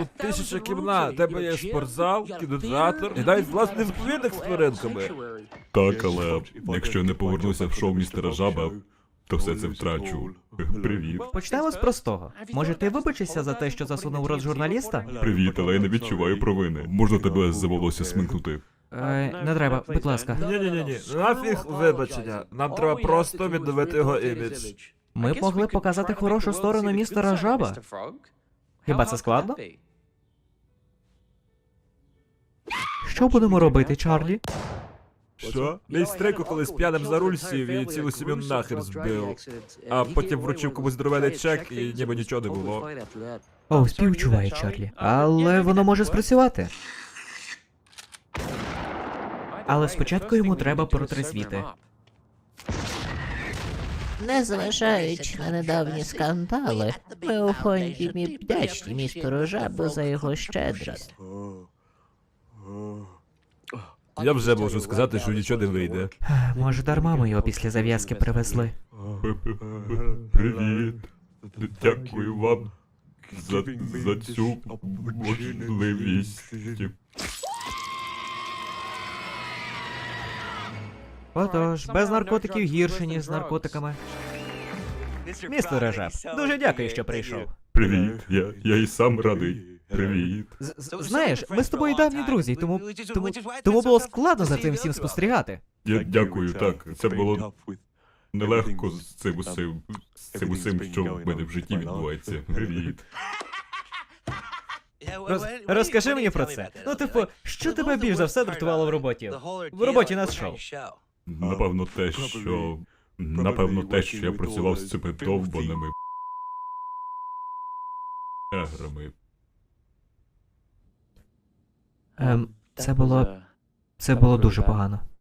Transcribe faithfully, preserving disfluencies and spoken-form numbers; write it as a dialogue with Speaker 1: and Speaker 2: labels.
Speaker 1: Тут тисяча кімнат, тебе є спортзал, кінотеатр і навіть власний відповідник з тваринками.
Speaker 2: Так, але якщо я не повернуся в шоу містера Жаба, то все це втрачу. Привіт.
Speaker 3: Почнемо з простого. Може, ти вибачишся за те, що засунув в рот журналіста?
Speaker 2: Привіт, але я не відчуваю провини. Можна тебе за волосся смикнути?
Speaker 3: Е, не треба, будь ласка.
Speaker 1: Ні-ні-ні, нафіг вибачення. Нам треба просто відновити його імідж.
Speaker 3: Ми б могли показати хорошу сторону містера Жаба. Хіба це складно? Що будемо робити, Чарлі?
Speaker 1: Що? Мій стрико колись п'яним за руль сів і цілу сім'ю нахер збив. А потім вручив комусь здоровений чек і ніби нічого не було.
Speaker 3: О, співчуваю, Чарлі. Але воно може спрацювати. Але спочатку йому треба протрезвіти.
Speaker 4: Незважаючи на недавні скандали, ми у фонді Мі вдячні містеру Жабу за його щедрість.
Speaker 1: Я вже можу сказати, що нічого не вийде.
Speaker 3: Може, дарма ми його після зав'язки привезли.
Speaker 2: Привіт. Дякую вам за, за цю можливість.
Speaker 3: Отож, без наркотиків гірше, ніж з наркотиками. Містере Жаб, дуже дякую, що прийшов.
Speaker 2: Привіт, я, я і сам радий. Привіт.
Speaker 3: З- з- Знаєш, ми з тобою давні друзі, тому, тому, тому було складно за цим всім спостерігати.
Speaker 2: Я дякую, так. Це було нелегко з цим усім, з цим усім, що в мене в житті відбувається. Привіт.
Speaker 3: Роз, розкажи мені про це. Ну, типу, що тебе більш за все дратувало в роботі? В роботі над шоу.
Speaker 2: Напевно, те, що... Напевно, те, що я працював з цими довбаними неграми.
Speaker 3: Ем, це було... це було дуже погано.